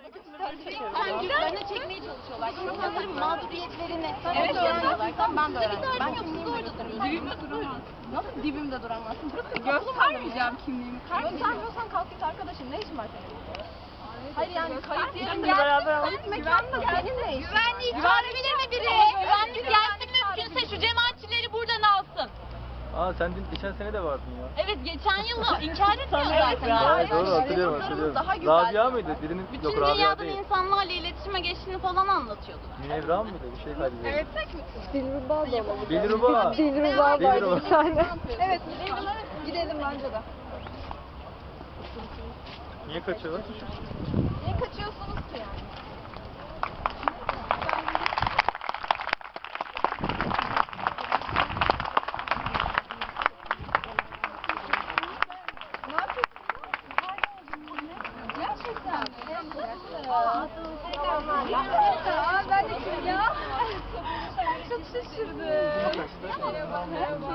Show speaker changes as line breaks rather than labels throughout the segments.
Kendilerini çekmeye çalışıyorlar. İnsanların mağduriyetlerini öğreniyorlar. Ben de öğrendim. Ben kimliğimi orada duruyorum. Dibimde duramazsın. Nasıl dibimde duramazsın? Göstermeyeceğim kimliğimi. Göstermiyorsan kalk git arkadaşım. Ne işin var senin? Hayır yani kayıt yerinde kayıt mekanında senin ne işin?
Güvenliği çağırabilir mi biri? Güvenlik gelsin mümkünse şu cemaatçileri buradan alsın.
Sen geçen sene de vardın ya.
Evet geçen yıl inkar etmiyor zaten.
Doğru hatırlıyorum. Rabia mıydı? Birinin
Bütün
yok Rabia
dünyadan
değil.
insanlarla iletişime geçtiğini falan anlatıyordu.
Münevra mıydı? Bir şey kaydediyordu.
Evet tek mi?
Dilruba da olabilir.
Dilruba.
Dilruba var bir tane.
Evet gidelim bence de.
Niye kaçıyorlar?
Niye kaçıyorsunuz ki yani? Ne yapıyorsunuz? Gerçekten. Ben de kim ya? Çok şaşırdım. Merhaba.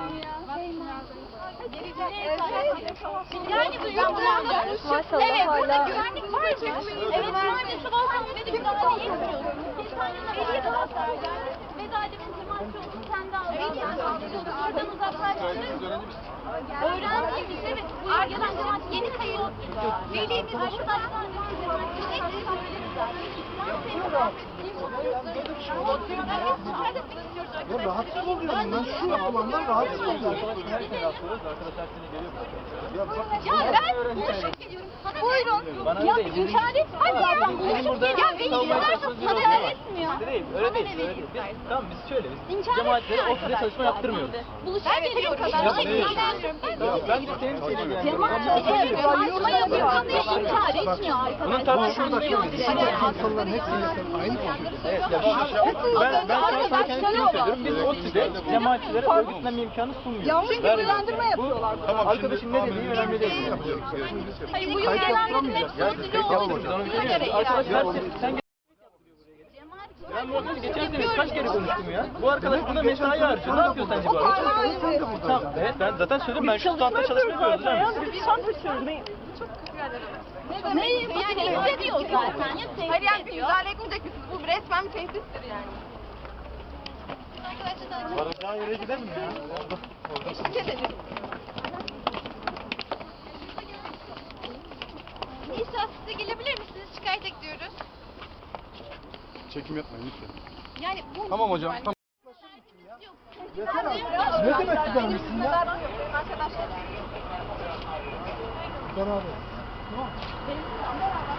Yani duyuyorlar. Evet burada güvenlik var mı? Evet güvenlik sabahtan beri müdahale etmiyoruz. Veliye de gösterdi. Veda Edem'in cemaatçi olduğunu kendi aldı. Oradan uzaklaştırırız. Öğrenciymiş evet. Bu yıl gelen cemaat yeni kayıt. Velimiz arkadaşlar cemaatçi sürekli söyleriz zaten.
Ya rahatsız oluyorum ben şu alandan rahatsız oluyorum.
Her sene rastlıyoruz. Arkadaşlar seni geliyor buraya.
Ya ben buluşup geliyorum. Buyurun.
Bana
Ya
öyle değil.
inkar et. Hadi ya ben buluşup geliyorum. Ya beni
savunmaya
dinlerse
çalışıyoruz,
sana
değil mi?
etmiyor.
Değil, öyle
Bana
değil.
ne
Öyle
vereyim
değil.
istersen?
Tamam biz şöyle
İnkar
cemaatlere
etmiyor
ofiste çalışma yaptırmıyoruz.
Buluşup geliyorum.
Yapmıyoruz. Ben de senin şeyle ilgileniyorum.
Cemaatçi yapıyorsan da inkar etmiyor arkadaşlar.
Bunun tartışması
Anlıyor direkt.
İnsanların hepsiyle sen aynı konuşuyorsun.
Evet, ben sana kendimi söylüyorum. Biz ODTÜ'de cemaatçilere örgütlenme imkanı sunmuyoruz.
Yanlış bilgilendirme yapıyorlar.
Arkadaşın ne dediği önemli değil.
Hayır bu yıl gelenlerin hepsi örgütlü oldu.
Arkadaşlar sen ben bu arkadaşı geçen sene kaç kere konuştum ya. Bu arkadaş buna mesai harcıyor. Ne yapıyor sence bu arkadaş? Tamam, evet ben zaten söyledim ben şu standta çalışma yapıyoruz hocam.
Biz şans açıyoruz.
Ne yani diyor zaten ya
Hayır yani
tehdit
bir
ediyor.
müdahale etmeyecek misiniz? Bu resmen bir tehdittir yani.
Varacağı yere gidelim mi ya?
Eşlik edelim.
Nisa size gelebilir misiniz? Şikayet ediyoruz.
Çekim yapmayın lütfen.
Yani bu
Tamam hocam. Tamam. Yeter abi. Ne demek güzelmişsin ya?
Arkadaşlar.
Beraber. Tamam.